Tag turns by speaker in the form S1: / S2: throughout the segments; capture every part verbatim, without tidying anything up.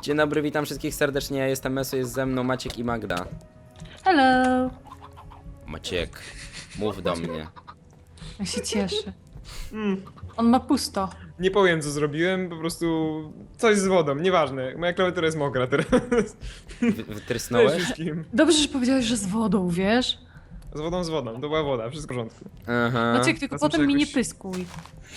S1: Dzień dobry, witam wszystkich serdecznie, ja jestem Meso, jest ze mną Maciek i Magda.
S2: Hello!
S1: Maciek, mów do mnie.
S2: Ja się cieszę.
S3: Mm,
S2: On ma pusto.
S3: nie powiem co zrobiłem, po prostu coś z wodą, nieważne. Moja klawiatura jest mokra teraz.
S1: Wy
S3: Cześć
S1: wytrysnąłeś?
S3: wszystkim.
S2: Dobrze, że powiedziałeś, że z wodą, wiesz?
S3: Z wodą, z wodą, to była woda, wszystko w porządku.
S1: Aha,
S2: Maciek, tylko
S3: A co,
S2: potem
S3: czy
S2: mi nie
S3: jakoś-
S2: pyskuj.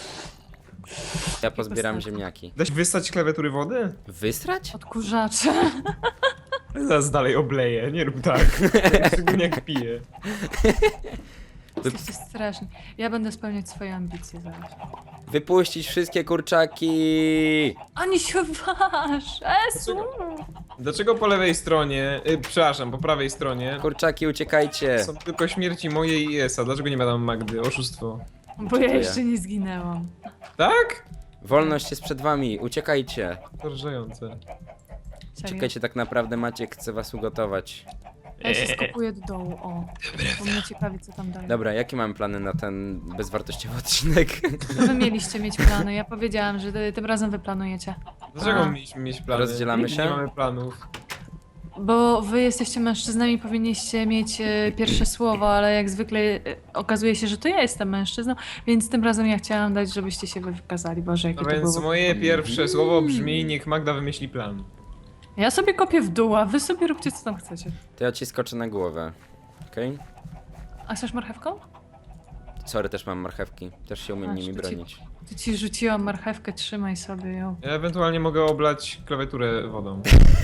S1: ja pozbieram
S2: postaci.
S1: ziemniaki.
S3: Da się wystać klawiatury wody?
S1: Wysrać?
S2: Odkurzacze.
S3: Zaraz dalej obleję, nie rób tak. Szczególnie jak piję.
S2: Jesteście straszni. Ja będę spełniać swoje ambicje zaraz.
S1: Wypuścić wszystkie kurczaki!
S2: Ani się waż! Esu!
S3: Dlaczego po lewej stronie, y, przepraszam, po prawej stronie
S1: Kurczaki, uciekajcie!
S3: są tylko śmierci mojej i Esa? Dlaczego nie ma tam Magdy? Oszustwo.
S2: Bo ja
S1: Dziękuję.
S2: jeszcze nie zginęłam.
S3: Tak?
S1: Wolność jest przed wami, uciekajcie!
S3: Porażające.
S2: Serio.
S1: Czekajcie, tak naprawdę Maciek chce was ugotować.
S2: Ja się skopuję do dołu, o. Bo mnie ciekawi, co tam dalej.
S1: Dobra, jakie mamy plany na ten bezwartościowy odcinek?
S2: To wy mieliście mieć plany. Ja powiedziałam, że ty- tym razem wy planujecie.
S3: Dlaczego
S2: A.
S3: mieliśmy mieć plany?
S1: Rozdzielamy
S3: Nigdy
S1: się?
S3: Nie mamy planów.
S2: Bo wy jesteście mężczyznami, powinniście mieć e, pierwsze słowo, ale jak zwykle e, okazuje się, że to ja jestem mężczyzną, więc tym razem ja chciałam dać, żebyście się wy wykazali. Boże, jakie
S3: No
S2: to
S3: więc
S2: było.
S3: moje pierwsze słowo brzmi, niech Magda wymyśli plan.
S2: Ja sobie kopię w dół, a wy sobie róbcie, co tam chcecie.
S1: To ja ci skoczę na głowę. Okej?
S2: A chcesz marchewką?
S1: Sorry, też mam marchewki. Też się umiem
S2: A,
S1: nimi
S2: to ci-
S1: bronić.
S2: Tu ci rzuciłam marchewkę, trzymaj sobie ją.
S3: Ja ewentualnie mogę oblać klawiaturę wodą.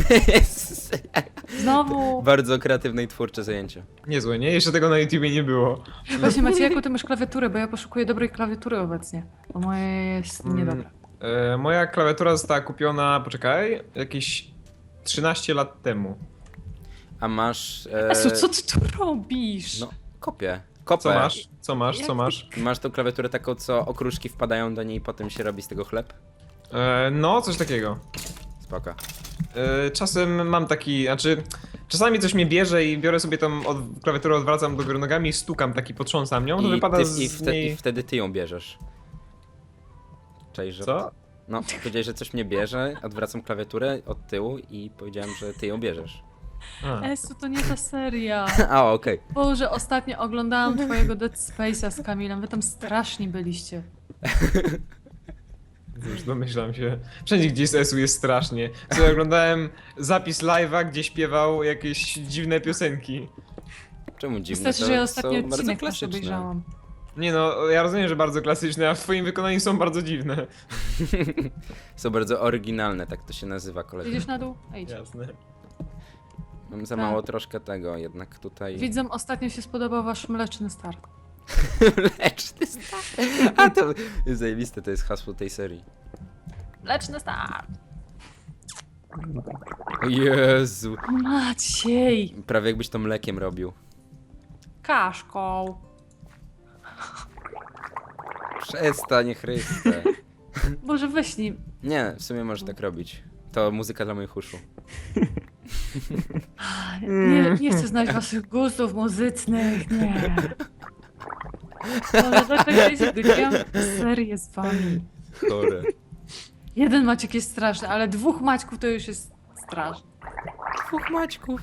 S2: Znowu!
S1: Bardzo kreatywne i twórcze zajęcie.
S3: Niezłe, nie? Jeszcze tego na YouTubie nie było.
S2: Właśnie Macie, jaką ty masz klawiaturę, bo ja poszukuję dobrej klawiatury obecnie. Bo moja jest
S3: Mm.
S2: niedobra.
S3: E, moja klawiatura została kupiona, poczekaj, jakieś trzynaście lat temu.
S1: A masz... E...
S2: Esu, co ty tu robisz?
S1: No, kopię. Kopę.
S3: Co masz? Co masz?
S2: Jak
S3: Co
S2: ty-
S3: masz?
S1: Masz tą klawiaturę taką, co okruszki wpadają do niej i potem się robi z tego chleb?
S3: E, no, coś takiego.
S1: Spoko.
S3: E, czasem mam taki, znaczy... Czasami coś mnie bierze i biorę sobie tą od, klawiaturę, odwracam do góry nogami i stukam taki, potrząsam nią, to
S1: I,
S3: wypada
S1: ty,
S3: z
S1: i, wte,
S3: niej...
S1: I wtedy ty ją bierzesz. Cześć, że...
S3: Co?
S1: No, powiedziałeś, że coś mnie bierze, odwracam klawiaturę od tyłu i powiedziałem, że ty ją bierzesz.
S3: A.
S2: Esu, to nie ta seria.
S1: A, okej.
S2: Boże, ostatnio oglądałam twojego Dead Space'a z Kamilem, wy tam straszni byliście.
S3: Już domyślam się. Wszędzie gdzie jest Esu jest strasznie. Co oglądałem zapis live'a, gdzie śpiewał jakieś dziwne piosenki.
S1: Czemu dziwne?
S2: Wystarczy,
S1: To
S2: że ja ostatni
S1: są bardzo
S2: odcinek też
S1: klasyczne.
S2: obejrzałam.
S3: Nie no, ja rozumiem, że bardzo klasyczne, a w twoim wykonaniu są bardzo dziwne.
S1: Są bardzo oryginalne, tak to się nazywa, kolega.
S2: Idziesz na dół? A idź.
S3: Jasne.
S1: Mam za
S2: Tak.
S1: mało troszkę tego, jednak tutaj...
S2: Widzom, ostatnio się spodobał wasz mleczny start.
S1: Mleczny start. A to jest zajebiste, to jest hasło tej serii.
S2: Mleczny start!
S1: O Jezu.
S2: Maciej!
S1: Prawie jakbyś to mlekiem robił.
S2: Kaszką!
S1: Przestań, Chryste.
S2: Boże, weź nim.
S1: Nie, w sumie możesz tak robić. To muzyka dla moich uszu.
S2: Nie, nie chcę znać waszych gustów muzycznych, nie. Boże, dlaczego ja się zgodziłam serię z wami?
S1: Chore.
S2: Jeden Maciek jest straszny, ale dwóch Maćków to już jest straszne.
S1: Dwóch Maćków.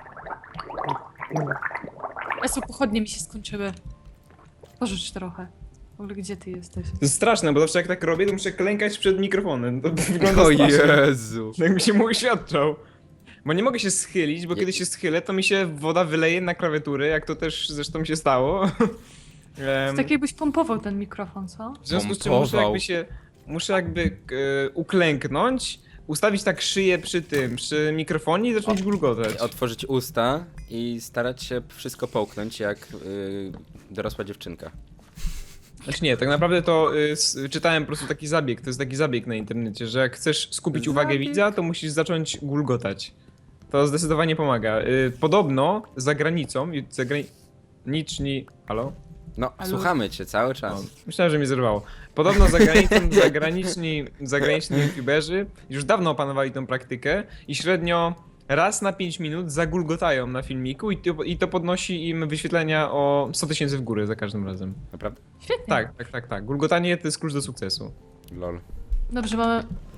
S2: Esu, pochodnie mi się skończyły. Pożycz trochę. W ogóle gdzie ty jesteś?
S3: To jest straszne, bo zawsze jak tak robię, to muszę klękać przed mikrofonem. To wygląda
S1: O
S3: strasznie.
S1: Jezu.
S3: Jakby się mu uświadczał. Bo nie mogę się schylić, bo
S1: Je-
S3: kiedy się schylę, to mi się woda wyleje na klawiaturę, jak to też zresztą się stało. Em,
S2: Tak jakbyś pompował ten mikrofon, co?
S3: w związku z czym muszę
S1: pompował.
S3: jakby się, muszę jakby e, uklęknąć, ustawić tak szyję przy tym, przy mikrofonie i zacząć gulgotać.
S1: Otworzyć usta i starać się wszystko połknąć jak yy, dorosła dziewczynka.
S3: Znaczy nie, tak naprawdę to y, s, czytałem po prostu taki zabieg, to jest taki zabieg na internecie, że jak chcesz skupić uwagę
S1: Zabieg?
S3: widza, to musisz zacząć gulgotać. To zdecydowanie pomaga. Y, podobno za granicą, y, zagraniczni... Halo?
S1: No,
S2: Ale-
S1: słuchamy cię cały
S3: O,
S1: czas.
S3: myślałem, że mnie zerwało. Podobno za granicą zagraniczni, zagraniczni youtuberzy już dawno opanowali tą praktykę i średnio raz na pięć minut zagulgotają na filmiku i to, i to podnosi im wyświetlenia o sto tysięcy w górę za każdym razem.
S1: Naprawdę?
S2: Świetnie.
S3: Tak, tak, tak, tak. Gulgotanie to jest klucz do sukcesu.
S1: Lol.
S2: Dobrze, mamy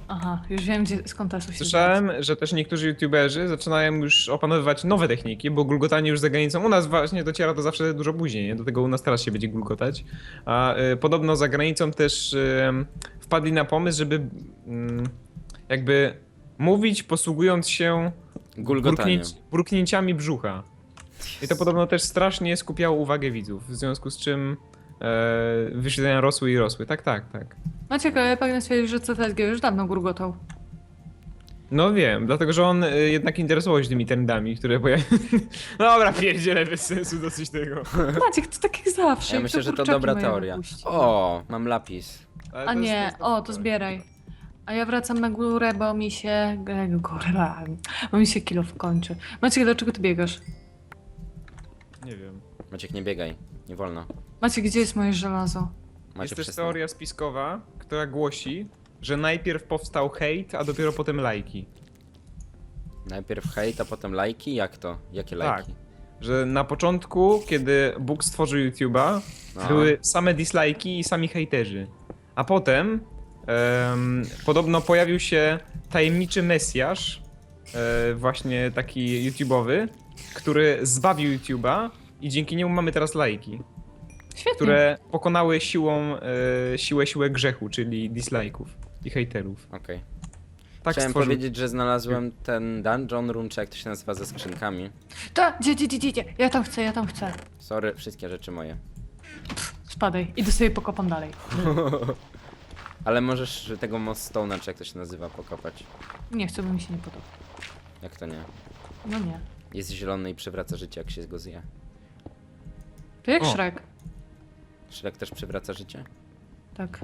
S2: Aha, już wiem, gdzie, skąd ta sąsiedzi.
S3: Słyszałem, że też niektórzy youtuberzy zaczynają już opanowywać nowe techniki, bo gulgotanie już za granicą u nas właśnie dociera to zawsze dużo później, nie? Do tego u nas teraz się będzie gulgotać. A y, podobno za granicą też y, wpadli na pomysł, żeby y, jakby mówić posługując się
S1: Gulgotaniem.
S3: burknięci- burknięciami brzucha. I to podobno też strasznie skupiało uwagę widzów, w związku z czym e, wyświetlenia rosły i rosły. Tak, tak, tak.
S2: Maciek, ale pragnę stwierdzić, że C T S G już dawno gurgotał.
S3: No wiem, dlatego że on y, jednak interesował się tymi trendami, które pojawiają. Dobra, pierdziele, bez sensu dosyć tego.
S2: Maciek, to tak jak zawsze.
S1: Ja
S2: jak
S1: myślę, że to
S2: kurczaki
S1: dobra
S2: moje
S1: teoria.
S2: wypuści.
S1: O, mam lapis.
S3: Ale
S2: A
S3: to jest-
S2: nie,
S3: jest-
S2: o, to zbieraj. A ja wracam na górę, bo mi się... e, Góra, bo mi się kilo kończy. Maciek, dlaczego ty biegasz?
S3: Nie wiem.
S1: Maciek, nie biegaj. Nie wolno.
S2: Maciek, gdzie jest moje żelazo?
S1: Maciek,
S3: Jest też
S1: przestań.
S3: teoria spiskowa, która głosi, że najpierw powstał hejt, a dopiero potem lajki.
S1: Najpierw hejt, a potem lajki? Jak to? Jakie lajki?
S3: Że na początku, kiedy Bóg stworzył YouTube'a,
S1: No.
S3: były same dislajki i sami hejterzy. A potem em, podobno pojawił się tajemniczy mesjasz, e, właśnie taki YouTube'owy, który zbawił YouTube'a i dzięki niemu mamy teraz lajki,
S2: Świetnie.
S3: które pokonały siłą, e, siłę, siłę grzechu, czyli dislajków i hejterów.
S1: Okej.
S3: Tak
S1: Chciałem
S3: stworzył.
S1: powiedzieć, że znalazłem ten dungeon room, czy jak to się nazywa, ze skrzynkami.
S2: Ta, gdzie, gdzie, gdzie, gdzie? Ja tam chcę, ja tam chcę.
S1: Sorry, wszystkie rzeczy moje.
S2: Spadaj. Idę sobie pokopam dalej.
S1: Ale możesz tego Mostone'a, czy jak to się nazywa, pokapać.
S2: Nie chcę, bo mi się nie podoba.
S1: Jak to nie?
S2: No nie.
S1: Jest zielony i przywraca życie, jak się go zje.
S2: To jak
S3: O.
S2: Shrek.
S1: Shrek też przywraca życie?
S2: Tak.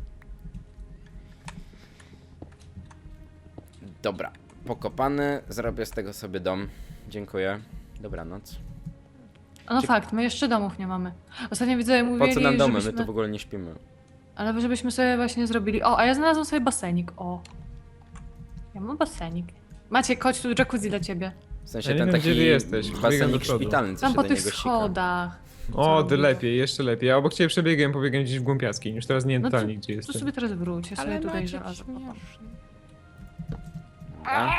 S1: Dobra. Pokopany, zrobię z tego sobie dom. Dziękuję. Dobranoc.
S2: A no
S1: Cie-
S2: fakt, my jeszcze domów nie mamy. Ostatnio widzowie
S1: Po
S2: mówili,
S1: co nam domy? My
S2: żebyśmy...
S1: tu w ogóle nie śpimy.
S2: Ale żebyśmy sobie właśnie zrobili... O, a ja znalazłam sobie basenik, o. Ja mam basenik. Maciek, chodź tu, jacuzzi dla ciebie.
S1: W sensie
S3: Ja nie
S1: ten
S3: wiem,
S1: taki
S3: gdzie ty jesteś. Biegam do
S1: basenik
S3: przodu.
S1: szpitalny, co
S2: Tam
S1: się
S2: po
S1: do
S2: tych
S1: niego sika.
S2: schodach.
S3: O,
S2: Co
S3: ty
S2: robisz?
S3: lepiej, jeszcze lepiej. Ja obok ciebie przebiegłem, pobiegłem gdzieś w głąpiackiej, już teraz nie wiem
S2: No
S3: totalnie
S2: to-
S3: gdzie
S2: Tu
S3: jestem.
S2: sobie teraz wróć, ja sobie tutaj żelazo.
S1: A?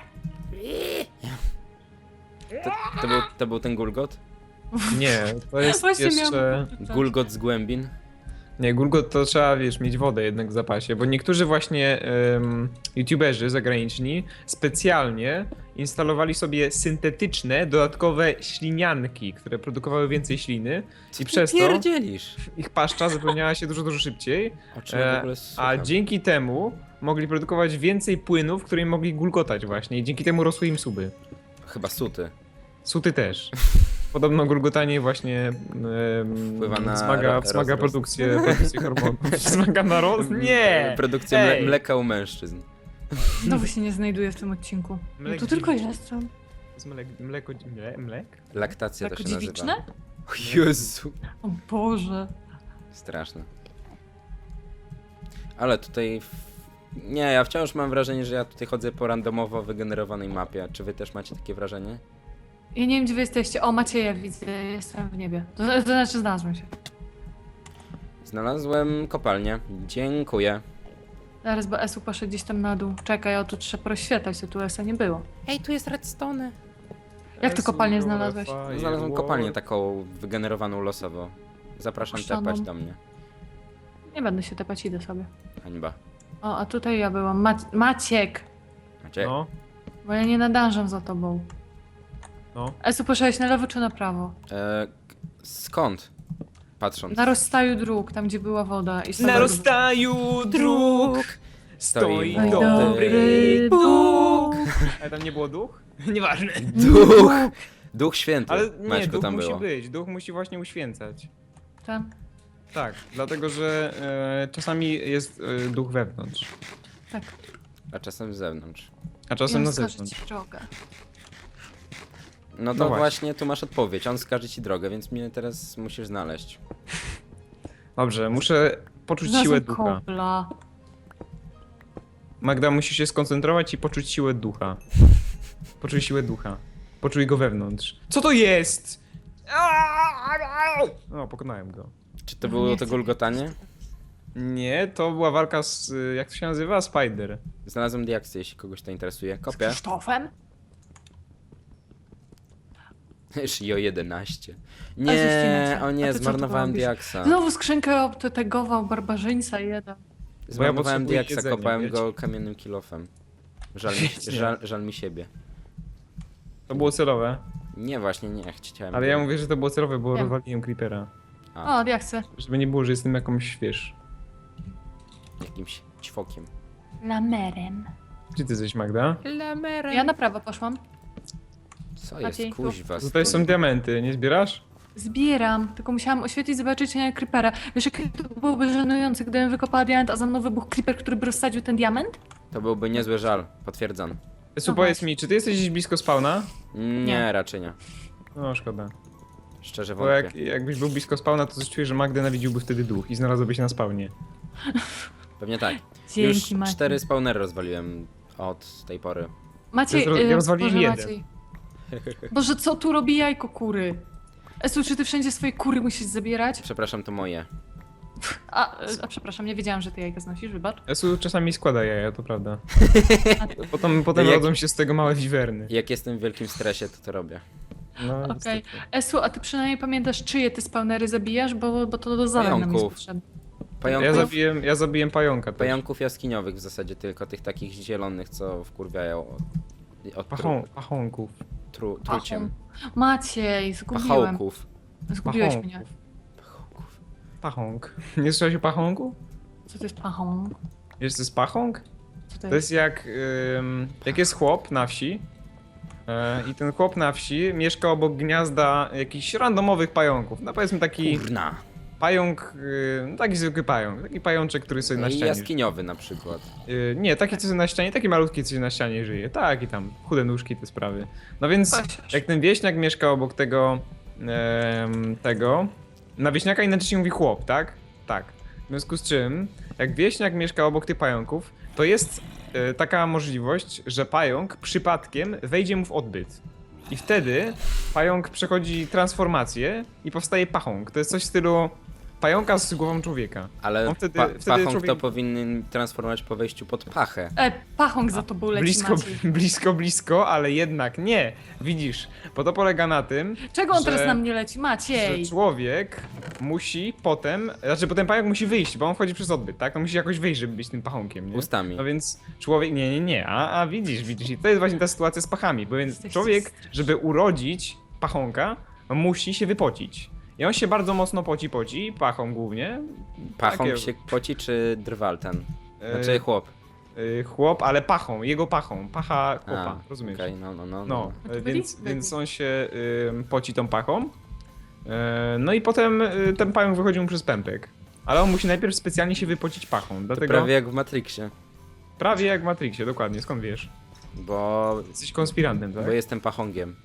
S1: To, to, był, to był ten Gulgot?
S3: Nie, to jest
S2: Właśnie
S3: jeszcze...
S2: miałam-
S1: Gulgot z głębin?
S3: Nie, Gulgot to trzeba, wiesz, mieć wodę jednak w zapasie, bo niektórzy właśnie um, youtuberzy zagraniczni specjalnie instalowali sobie syntetyczne, dodatkowe ślinianki, które produkowały więcej śliny i przez to
S1: Pierdzielisz!
S3: ich paszcza zapełniała się dużo, dużo szybciej,
S1: O czym ja w
S3: e,
S1: ogóle
S3: a
S1: słucham?
S3: dzięki temu mogli produkować więcej płynów, którymi mogli gulgotać właśnie i dzięki temu rosły im suby.
S1: Chyba suty.
S3: Suty też. Podobno gulgotanie właśnie um,
S1: Wpływa na
S3: wzmaga,
S1: ro-
S3: wzmaga
S1: rozrost.
S3: produkcję, produkcję hormonów. Wzmaga na roz... Nie!
S1: Produkcja mle
S3: Ej!
S1: mleka u mężczyzn.
S2: Znowu się nie znajduję w tym odcinku. No
S3: Mlek
S2: tu tylko
S3: dziewiczy.
S2: jestem.
S3: To jest mlek, mleko, mle, mlek?
S1: Laktacja
S2: Jako
S1: to się
S2: dziewiczne?
S1: nazywa. O Jezu!
S2: O Boże.
S1: Straszne. Ale tutaj... w- Nie, ja wciąż mam wrażenie, że ja tutaj chodzę po randomowo wygenerowanej mapie. Czy wy też macie takie wrażenie?
S2: Ja nie wiem, gdzie wy jesteście. O, Macieja widzę, jestem w niebie. To, to znaczy znalazłem się.
S1: Znalazłem kopalnię. Dziękuję.
S2: Zaraz, bo Esu poszedł gdzieś tam na dół. Czekaj, o tu trzeba rozświetlać, to tu Esa nie było.
S1: Ej, tu jest redstone.
S2: Jak ty kopalnię znalazłeś?
S1: Znalazłem kopalnię taką wygenerowaną losowo. Zapraszam
S2: Opuszczoną.
S1: tepać do mnie.
S2: Nie będę się tepać, idę sobie.
S1: Hańba.
S2: O, a tutaj ja byłam. Mac Maciek!
S1: Macie?
S3: No,
S2: Bo ja nie nadążam za tobą.
S3: no.
S2: Esu, poszedłeś na lewo czy na prawo?
S1: E, skąd? Patrząc.
S2: Na rozstaju dróg, tam gdzie była woda. I
S3: Na
S2: sobie-
S3: rozstaju dróg stoi
S1: Stoi
S3: dobry
S2: Bóg.
S3: Ale tam nie było duch? Nieważne.
S1: Duch! Duch święty.
S3: Ale nie,
S1: Maćku,
S3: duch
S1: tam
S3: musi
S1: było.
S3: być, duch musi właśnie uświęcać.
S2: Tam.
S3: Tak, dlatego że e, czasami jest e, duch wewnątrz,
S2: Tak.
S1: A czasem z zewnątrz.
S3: a
S2: I
S3: czasem
S2: on
S3: na
S2: wskaże
S3: zewnątrz.
S2: ci drogę.
S1: No to
S3: No właśnie.
S1: właśnie tu masz odpowiedź. On wskaże ci drogę, więc mnie teraz musisz znaleźć.
S3: Dobrze, muszę poczuć siłę
S2: Znalazłem
S3: ducha.
S2: kobla.
S3: Magda, musisz się skoncentrować i poczuć siłę ducha. Poczuj siłę ducha. Poczuj go wewnątrz. Co to jest? O, pokonałem go.
S1: Czy to
S2: No
S1: było
S2: nie
S1: to
S2: chcę
S1: gulgotanie?
S3: Nie, to była walka z, y, jak to się nazywa? Spider.
S1: Znalazłem diaksy, jeśli kogoś to interesuje.
S2: Z
S1: Kopię.
S2: Krzysztofem?
S1: Shio jedenaście.
S2: A
S1: Nie,
S2: zresztą,
S1: o
S2: a
S1: nie,
S2: ty co tu
S1: zmarnowałem
S2: robisz?
S1: diaksa.
S2: Znowu skrzynkę obtegował barbarzyńca jeden.
S1: Zmarnowałem
S3: potrzebuję
S1: diaksa,
S3: jedzenia,
S1: kopałem
S3: wiecie?
S1: go kamiennym kilofem. Żal mi,
S3: Świetnie.
S1: żal, żal mi siebie.
S3: To było celowe.
S1: Nie, właśnie nie, chciałem...
S3: Ale ja mówię, że to było celowe, bo
S2: Wiem.
S3: rozwaliłem creepera.
S1: A,
S2: O, ja chcę.
S3: Żeby nie było, że jestem jakąś, wiesz...
S1: jakimś ćwokiem.
S2: Lamerem.
S3: Gdzie ty jesteś, Magda?
S2: Ja na prawo poszłam.
S1: Co
S2: Maciej,
S1: jest,
S2: tu.
S1: kuźwa?
S3: Tutaj są
S1: stoi.
S3: diamenty, nie zbierasz?
S2: Zbieram, tylko musiałam oświetlić, zobaczyć, czy nie creepera. Wiesz, jak to byłoby żenujące, gdybym wykopała diament, a za mną wybuchł creeper, który by rozsadził ten diament?
S1: To byłby niezły żal, potwierdzam.
S3: Esu,
S2: No
S3: powiedz
S2: właśnie.
S3: mi, czy ty jesteś gdzieś blisko spawna?
S1: Nie,
S2: Nie.
S1: raczej nie.
S3: No, szkoda.
S1: Szczerze
S3: Bo
S1: wątpię.
S3: jak, jakbyś był blisko spawna, to coś czuję, że Magdę nawidziłby wtedy duch i znalazłby się na spawnie.
S1: Pewnie tak.
S2: Dzięki,
S1: Już
S2: Maciej.
S1: cztery spawnery rozwaliłem od tej pory.
S2: Maciej,
S3: Ja zro- ja
S2: y,
S3: rozwaliłem
S2: Boże,
S3: jeden.
S2: Maciej. Boże, co tu robi jajko kury? Esu, czy ty wszędzie swoje kury musisz zabierać?
S1: Przepraszam, to moje.
S2: A, y, a przepraszam, nie wiedziałam, że ty jajka znosisz, wybacz.
S3: Esu czasami składa jaja, to prawda. Potem, potem
S1: Jak-
S3: rodzą się z tego małe wiwerny.
S1: Jak jestem w wielkim stresie, to to robię.
S3: No,
S2: Okej.
S3: niestety.
S2: Esu, a ty przynajmniej pamiętasz, czyje ty spawnery zabijasz, bo, bo to do zadań nam jest
S1: Pająków.
S2: potrzebne.
S1: Pająków,
S3: Ja zabiłem, ja zabiłem pająka też.
S1: pająków jaskiniowych w zasadzie tylko, tych takich zielonych, co wkurwiają od, od tru,
S3: Pachą, pachonków.
S1: tru, truciem.
S2: Maciej, zgubiłem.
S1: Pachołków.
S2: Zgubiłeś
S3: Pachonków.
S2: mnie.
S1: Pachołków.
S3: Pachąg. Nie słyszałeś o pachągu?
S2: Co to jest pachą?
S3: Wiesz, co jest pachąg?
S2: Co to
S3: To
S2: jest?
S3: jest jak, ym, jak jest chłop na wsi e, i ten chłop na wsi mieszka obok gniazda jakichś randomowych pająków. No powiedzmy taki
S1: Kurna.
S3: pająk, y, no taki zwykły pająk, taki pajączek, który sobie na
S1: I
S3: ścianie
S1: jaskiniowy na przykład.
S3: Y, nie, taki co sobie na ścianie, taki malutki co sobie na ścianie żyje. Tak i tam, chude nóżki, te sprawy. No więc
S2: Pasiarz.
S3: jak ten wieśniak mieszka obok tego, em, tego, na wieśniaka inaczej się mówi chłop, tak? Tak. W związku z czym, jak wieśniak mieszka obok tych pająków, to jest e, taka możliwość, że pająk przypadkiem wejdzie mu w odbyt. I wtedy pająk przechodzi transformację i powstaje pachąg. To jest coś w stylu pająka z głową człowieka.
S1: Ale
S3: On wtedy-
S1: pa,
S3: wtedy
S1: pachąg
S3: człowiek-
S1: to powinien transformować po wejściu pod pachę.
S2: E, pachąg za tobą leci,
S3: Blisko,
S2: Maciej.
S3: blisko, blisko, ale jednak nie. Widzisz, bo to polega na tym,
S2: Czego on
S3: że-
S2: teraz na mnie leci?
S3: że
S2: Maciej!
S3: człowiek musi potem, znaczy potem pająk musi wyjść, bo on wchodzi przez odbyt, tak? On musi jakoś wyjść, żeby być tym pachonkiem, nie?
S1: Ustami.
S3: No więc człowiek, nie, nie, nie, a, a widzisz, widzisz, i to jest właśnie ta sytuacja z pachami, bo więc
S2: Jesteście
S3: człowiek,
S2: straszni.
S3: żeby urodzić pachonka, musi się wypocić. I on się bardzo mocno poci, poci, pachą głównie.
S1: Pachąg
S3: Takie-
S1: się poci czy drwal ten?
S3: e,
S1: Znaczy chłop.
S3: e, chłop, ale pachą, jego pachą, pacha chłopa,
S1: A,
S3: rozumiesz?
S1: okej, no, no, no.
S3: No,
S2: A to
S3: e,
S2: byli?
S3: więc,
S2: Byli.
S3: więc on się ym, poci tą pachą. E, no i potem y, ten pająk wychodzi mu przez pępek. Ale on musi najpierw specjalnie się wypocić pachą.
S1: To
S3: Dlatego
S1: prawie jak w Matrixie.
S3: prawie jak w Matrixie, dokładnie. Skąd wiesz?
S1: Bo,
S3: Jesteś konspirantem, tak?
S1: bo jestem pachągiem.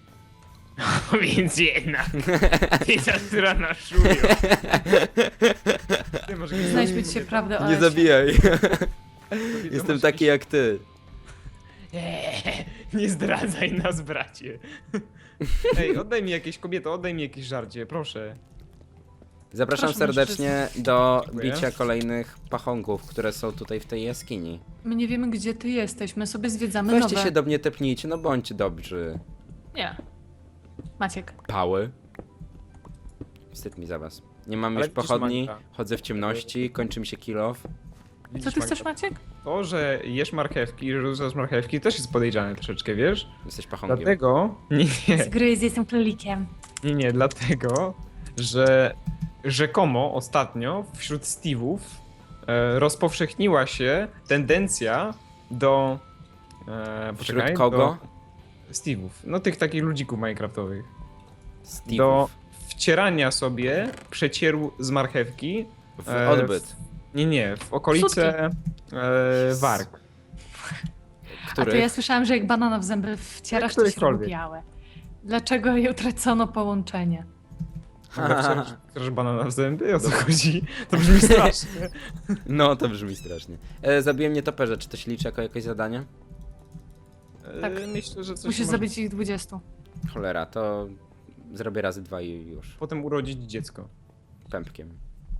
S3: Więc jednak. Pizza, która naszują. Ty, może kiedyś
S2: Znajdźmy
S3: zrobimy
S2: dzisiaj
S3: sobie
S2: prawdę o
S1: Nie
S2: Esie.
S1: zabijaj.
S3: to.
S1: Jestem
S3: Może
S1: taki jak ty.
S3: Eee, nie zdradzaj nas, bracie. Ej, oddaj mi jakieś, kobieto, oddaj mi jakieś żarcie, proszę.
S1: Zapraszam
S2: Proszę,
S1: serdecznie do
S3: Dziękuję.
S1: bicia kolejnych pachągów, które są tutaj w tej jaskini.
S2: My nie wiemy, gdzie ty jesteś, my sobie zwiedzamy
S1: Weźcie
S2: nowe.
S1: się do mnie tepnijcie, no bądźcie dobrzy.
S2: Nie. Maciek.
S1: Pały. Wstyd mi za was. Nie mam
S3: Ale
S1: już
S3: widzisz,
S1: pochodni,
S3: Magda.
S1: chodzę w ciemności, kończy mi się kill off.
S2: Co
S3: Widzisz,
S2: ty chcesz,
S3: Magda,
S2: Maciek?
S3: To, że jesz marchewki, że rzucasz marchewki, też jest podejrzane troszeczkę, wiesz?
S1: Jesteś pachągiem.
S3: Dlatego... Nie, nie,
S2: Gryz, jestem królikiem.
S3: nie, nie, dlatego, że rzekomo ostatnio wśród Steve'ów e, rozpowszechniła się tendencja do... E,
S1: Wśród
S3: poczekaj,
S1: kogo?
S3: Do Steve'ów, no tych takich ludzików minecraftowych.
S1: Steve'ów.
S3: Do wcierania sobie przecieru z marchewki.
S1: W
S3: e,
S1: odbyt.
S3: Nie, nie, w okolice e, warg.
S2: A
S1: Których?
S2: to ja słyszałam, że jak banana w zęby wcierasz, to się robi
S3: Którychkolwiek.
S2: białe. Dlaczego jej utracono połączenie?
S3: Chcesz, chcesz banana w zęby? O co chodzi? To brzmi strasznie.
S1: No, to brzmi strasznie. E, zabiłem nietoperze, czy to się liczy jako jakieś zadanie?
S2: Tak.
S3: E, Myślę, że coś
S2: Musisz
S3: może-
S2: zabić ich dwudziestu.
S1: Cholera, to zrobię razy dwa i już.
S3: Potem urodzić dziecko.
S1: Pępkiem.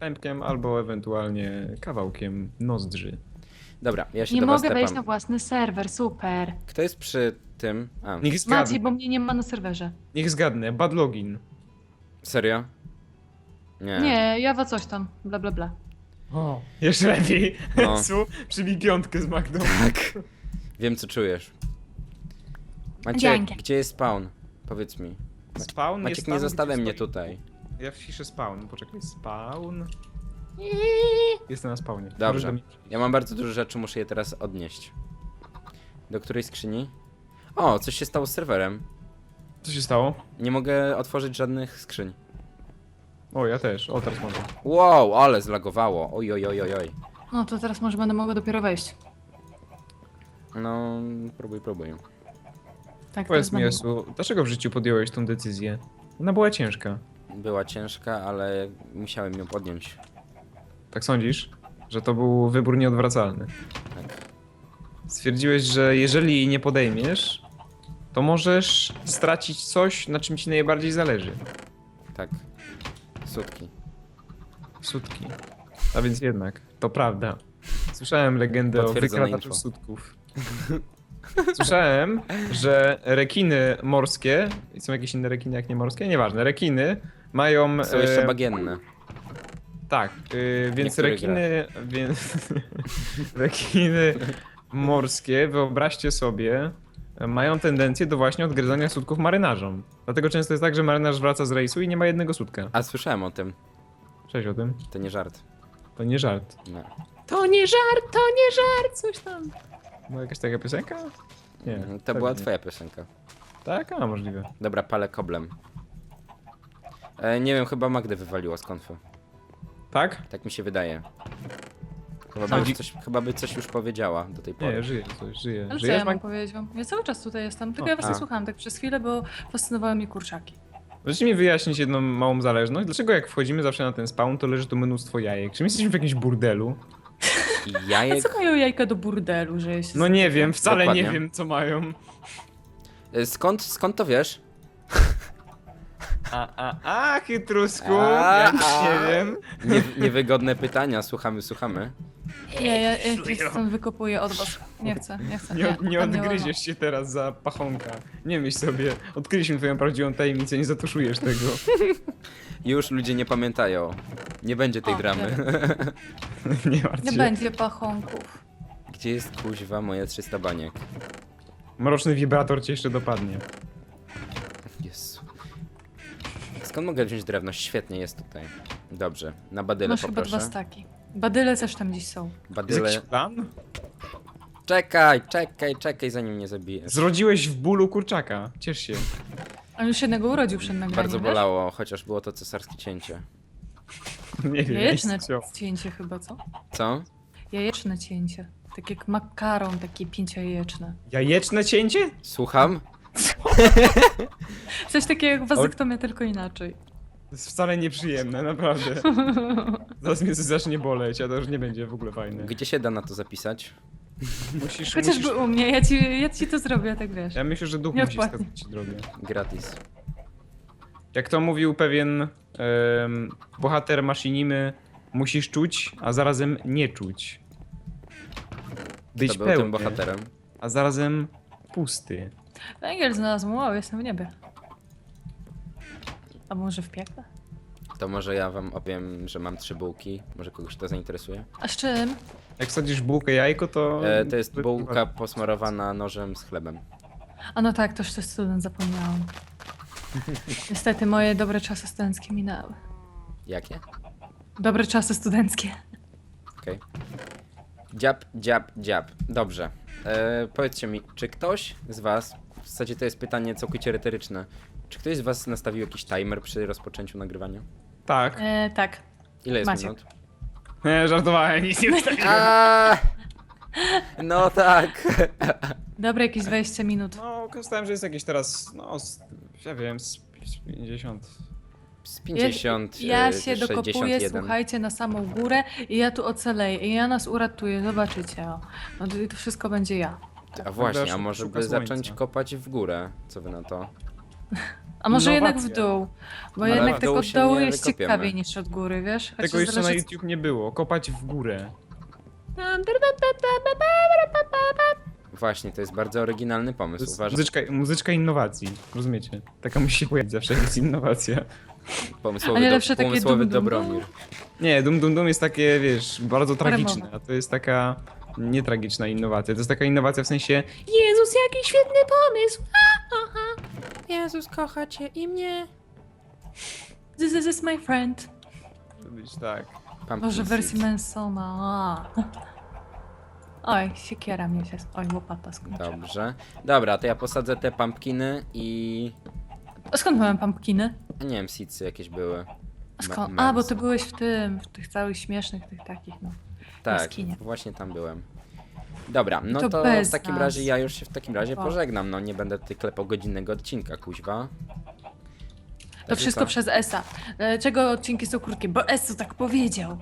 S3: pępkiem albo ewentualnie kawałkiem nozdrzy.
S1: Dobra, ja się
S2: Nie
S1: do was
S2: mogę wejść na
S1: tepam.
S2: własny serwer, super.
S1: Kto jest przy tym? A,
S3: Niech zgadnę,
S2: Maciej, bo mnie nie ma na serwerze.
S3: niech zgadnę, bad login.
S1: serio? Nie.
S2: Nie, Jawa coś tam, bla bla bla.
S3: O, jeszcze lepiej.
S1: No.
S3: Su, przybij piątkę z Magdą.
S1: Tak. Wiem, co czujesz. Maciek,
S2: Dzięki.
S1: gdzie jest spawn? Powiedz mi.
S3: Spawn
S1: Maciek,
S3: jest
S1: nie
S3: tam,
S1: zostawiaj
S3: gdzie
S1: mnie
S3: stoi-
S1: tutaj.
S3: Ja wciszę spawn, poczekaj, spawn. Jestem na spawnie. Możesz
S1: Dobrze.
S3: do mnie-
S1: Ja mam bardzo dużo rzeczy, muszę je teraz odnieść. Do której skrzyni? O, coś się stało z serwerem.
S3: Co się stało?
S1: Nie mogę otworzyć żadnych skrzyń.
S3: O, ja też. O, teraz mogę.
S1: Wow, ale zlagowało. Oj, oj, oj, oj, oj.
S2: No to teraz może będę mogła dopiero wejść.
S1: No, próbuj, próbuj.
S2: Tak,
S3: Powiedz
S2: teraz
S3: mi,
S2: będę
S3: Jesu, dlaczego w życiu podjąłeś tą decyzję? Ona była ciężka.
S1: Była ciężka, ale musiałem ją podjąć.
S3: Tak sądzisz? Że to był wybór nieodwracalny.
S1: Tak.
S3: Stwierdziłeś, że jeżeli jej nie podejmiesz, to możesz stracić coś, na czym ci najbardziej zależy.
S1: Tak. Sutki.
S3: Sutki. A więc jednak, to prawda. Słyszałem legendę o
S1: Potwierdzone
S3: wykradaczu
S1: info.
S3: sutków. Słyszałem, że rekiny morskie, i są jakieś inne rekiny jak nie morskie? Nieważne, rekiny mają...
S1: Są jeszcze
S3: e,
S1: bagienne.
S3: Tak, yy, więc
S1: Niektórych
S3: rekiny, więc rekiny morskie, wyobraźcie sobie, mają tendencję do właśnie odgryzania sutków marynarzom. Dlatego często jest tak, że marynarz wraca z rejsu i nie ma jednego sutka.
S1: A słyszałem o tym.
S3: Cześć o tym.
S1: To nie żart.
S3: To nie żart.
S1: Nie.
S2: To nie żart, to nie żart, coś tam.
S3: Była jakaś taka piosenka? Nie.
S1: Mhm, To
S3: pewnie
S1: była
S3: nie.
S1: twoja piosenka.
S3: Tak? A, możliwe.
S1: Dobra, palę koblem. E, nie wiem, chyba Magdę wywaliło z konfy.
S3: Tak?
S1: Tak mi się wydaje. Chyba
S2: Co?
S1: by, coś, chyba by coś już powiedziała do tej pory.
S3: Nie, żyje coś, żyje.
S2: Ale co
S3: Żyjesz,
S2: ja mam
S3: Mag...
S2: powiedzieć wam? Ja cały czas tutaj jestem, tylko
S3: O,
S2: ja was
S1: a.
S2: nie słuchałam tak przez chwilę, bo fascynowały mnie kurczaki.
S3: Możecie mi wyjaśnić jedną małą zależność? Dlaczego jak wchodzimy zawsze na ten spawn, to leży tu mnóstwo jajek? Czy my jesteśmy w jakimś burdelu?
S1: I
S2: A
S1: jajek...
S2: co mają jajka do burdelu, że jest...
S3: No nie wiem, wcale
S1: Dokładnie.
S3: nie wiem co mają.
S1: E, Skąd, skąd to wiesz?
S3: A, a, a, chytrusku,
S1: A,
S3: ja nic
S1: a.
S3: nie wiem.
S1: Nie, niewygodne pytania, słuchamy, słuchamy.
S2: Nie, ja, ja gdzieś stąd wykopuję od was. Nie chcę, nie chcę.
S3: Nie, nie
S2: tam
S3: odgryziesz się teraz za pachonka. Nie myśl sobie, odkryliśmy twoją prawdziwą tajemnicę, nie zatuszujesz tego.
S1: Już ludzie nie pamiętają. Nie będzie tej
S2: O,
S1: dramy.
S3: Nie martw
S2: Nie
S3: się.
S2: będzie pachonków.
S1: Gdzie jest kuźwa moje trzysta baniek?
S3: Mroczny wibrator cię jeszcze dopadnie.
S1: Jezu. Skąd mogę wziąć drewno? Świetnie, jest tutaj. Dobrze, na badyle
S2: Masz chyba dwa
S1: poproszę.
S2: staki. Badyle też tam gdzieś są.
S3: Jest
S1: Badyle...
S3: jakiś plan?
S1: Czekaj, czekaj, czekaj, zanim mnie zabijesz.
S3: Zrodziłeś w bólu kurczaka. Ciesz się.
S2: On już jednego urodził przed nagraniem,
S1: Bardzo
S2: wiesz?
S1: bolało, chociaż było to cesarskie cięcie.
S3: Nie wiem.
S2: Jajeczne
S3: co.
S2: cięcie chyba, co?
S1: Co?
S2: Jajeczne cięcie. Tak jak makaron, takie pięciojajeczne.
S3: Jajeczne cięcie?
S1: Słucham?
S2: Coś takiego jak wazektomia, tylko inaczej.
S3: To jest wcale nieprzyjemne, naprawdę. Zaraz mnie coś zacznie boleć, a to już nie będzie w ogóle fajne.
S1: Gdzie się da na to zapisać?
S3: Musisz, musisz...
S2: Chociażby u mnie, ja ci, ja ci to zrobię, tak wiesz.
S3: Ja myślę, że duch
S2: Nie
S3: musi
S2: odpłatnie.
S3: wskazać ci drogę.
S1: Gratis.
S3: Jak to mówił pewien em, bohater maszynimy, musisz czuć, a zarazem nie czuć. Być
S1: Kto był
S3: pełny,
S1: tym bohaterem?
S3: a zarazem pusty.
S2: Węgiel znalazłem, wow, jestem w niebie. A może w piekle?
S1: To może ja wam opowiem, że mam trzy bułki. Może kogoś to zainteresuje?
S2: A z czym?
S3: Jak sadzisz bułkę jajko, to...
S1: E, to jest bułka posmarowana nożem z chlebem.
S2: A no tak, toż to student zapomniałam. Niestety moje dobre czasy studenckie minęły.
S1: Jakie?
S2: Dobre czasy studenckie.
S1: Okej. Dziab, dziab, dziab. Dobrze. E, powiedzcie mi, czy ktoś z was, w zasadzie to jest pytanie całkowicie retoryczne, czy ktoś z was nastawił jakiś timer przy rozpoczęciu nagrywania?
S3: Tak.
S2: E, tak.
S1: Ile jest
S2: Maciek.
S1: minut?
S3: Nie, żartowałem, nic nie wstawiłem.
S1: A, no tak.
S2: Dobre jakieś dwadzieścia minut.
S3: No, korzystałem, że jest jakieś teraz, no, z, ja wiem, z pięćdziesiąt.
S1: Z pięćdziesiąt,
S2: Ja
S1: e,
S2: się dokopuję,
S1: sześćdziesiąt jeden.
S2: słuchajcie, na samą górę i ja tu ocaleję i ja nas uratuję, zobaczycie. O. No to, to wszystko będzie ja.
S1: A właśnie, a
S3: Szuka
S1: może by
S3: słońca.
S1: zacząć kopać w górę? Co wy na to?
S2: A może jednak w
S3: Innowacja.
S2: dół? Bo
S1: Ale
S2: jednak
S1: w
S2: tak
S1: dół
S2: od
S1: się
S2: dołu
S1: nie
S2: jest
S1: wykopiemy.
S2: ciekawiej niż od góry, wiesz? Chociaż
S3: Tego jeszcze na
S2: zależy,
S3: YouTube nie było. Kopać w górę.
S1: Właśnie, to jest bardzo oryginalny
S3: To
S1: pomysł.
S3: jest
S1: Uważam,
S3: muzyczka, muzyczka innowacji. Rozumiecie? Taka musi się pojawić zawsze, jak jest innowacja.
S2: A
S1: pomysłowy,
S2: nie
S1: do,
S2: lepsze takie
S1: pomysłowy
S2: dum, dum,
S1: Dobromir.
S3: Nie, Dum Dum Dum jest takie, wiesz, bardzo tragiczne,
S2: Remowa.
S3: a to jest taka nietragiczna innowacja. To jest taka innowacja w sensie Jezus, jaki świetny pomysł!
S1: Jezus kocha cię i mnie.
S2: This is, is my friend.
S3: To być tak.
S1: Pumpkin
S2: Może w wersji
S1: seed.
S2: Mansona. Oj, siekiera mnie się... Oj, łopata skończyła.
S1: Dobrze. Dobra, to ja posadzę te pumpkiny i...
S2: A skąd mamy pumpkiny?
S1: Nie wiem, seedsy jakieś były.
S2: A skąd?
S1: Ma-
S2: A, bo
S1: mens.
S2: ty byłeś w tym, w tych całych śmiesznych, tych takich, no.
S1: Tak,
S2: jaskinie.
S1: właśnie tam byłem. Dobra, no
S2: To
S1: to,
S2: bez
S1: w takim
S2: nas.
S1: razie ja już się w takim razie
S2: O.
S1: pożegnam. No nie będę tutaj klepał godzinnego odcinka, kuźwa.
S2: To
S1: Także
S2: wszystko
S1: co?
S2: przez Esa. Dlaczego odcinki są krótkie? Bo Esu tak powiedział.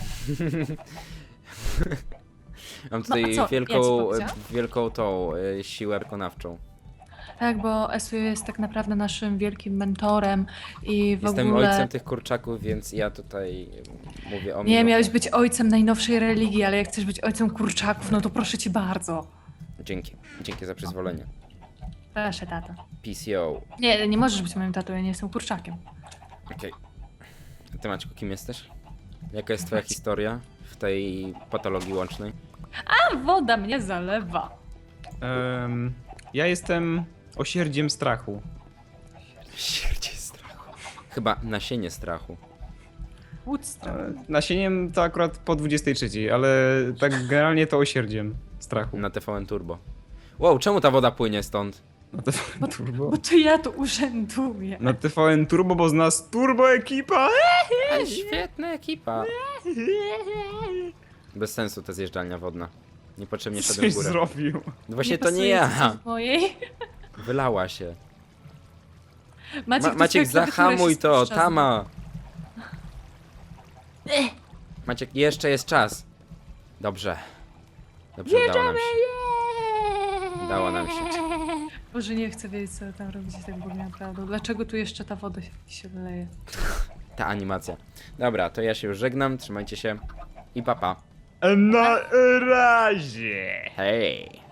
S1: Mam
S2: No, a
S1: tutaj
S2: co? Ja ci
S1: wielką,
S2: powiedziałam?
S1: wielką tą y, siłę wykonawczą.
S2: Tak, bo Esu jest tak naprawdę naszym wielkim mentorem i w
S1: Jestem
S2: ogóle...
S1: ojcem tych kurczaków, więc ja tutaj y, mówię o
S2: Nie,
S1: mnie.
S2: miałeś być ojcem najnowszej religii, ale jak chcesz być ojcem kurczaków, no to proszę cię bardzo.
S1: Dzięki, dzięki za przyzwolenie.
S2: Proszę, tato.
S1: P C O.
S2: Nie, nie możesz być moim tatą, ja nie jestem kurczakiem.
S1: Okej. A ty, Maćku, kim jesteś? Jaka jest twoja historia w tej patologii łącznej?
S2: A woda mnie zalewa.
S3: Em, ja jestem osierdziem strachu.
S1: Śmierdzie strachu. Chyba nasienie strachu.
S2: Woodstock.
S3: E, Nasieniem to akurat po dwudziestej trzeciej, ale tak generalnie to osierdziem strachu.
S1: Na T V N Turbo. Wow, czemu ta woda płynie stąd?
S3: Na T V N Turbo.
S2: Bo to ja tu urzęduję.
S3: Na T V N Turbo, bo z nas turbo ekipa!
S1: Ale świetna ekipa. Bez sensu ta zjeżdżalnia wodna. Niepotrzebnie szedłem
S3: Coś
S1: w górę.
S3: zrobił.
S1: No właśnie to nie
S2: pasuje
S1: ja.
S2: coś Mojej.
S1: Wylała się.
S2: Maciek,
S1: Ma Maciek,
S2: to twoja klawiatura
S1: zahamuj
S2: się
S1: to,
S2: spuszcza.
S1: Tama. Maciek, jeszcze jest czas. Dobrze. Dobrze, udało nam się. Udało nam się.
S2: Boże, nie chcę wiedzieć, co tam robicie tak w ogóle naprawdę. Dlaczego tu jeszcze ta woda się, się leje?
S1: Ta animacja. Dobra, to ja się już żegnam. Trzymajcie się. I papa.
S3: Na razie!
S1: Hej.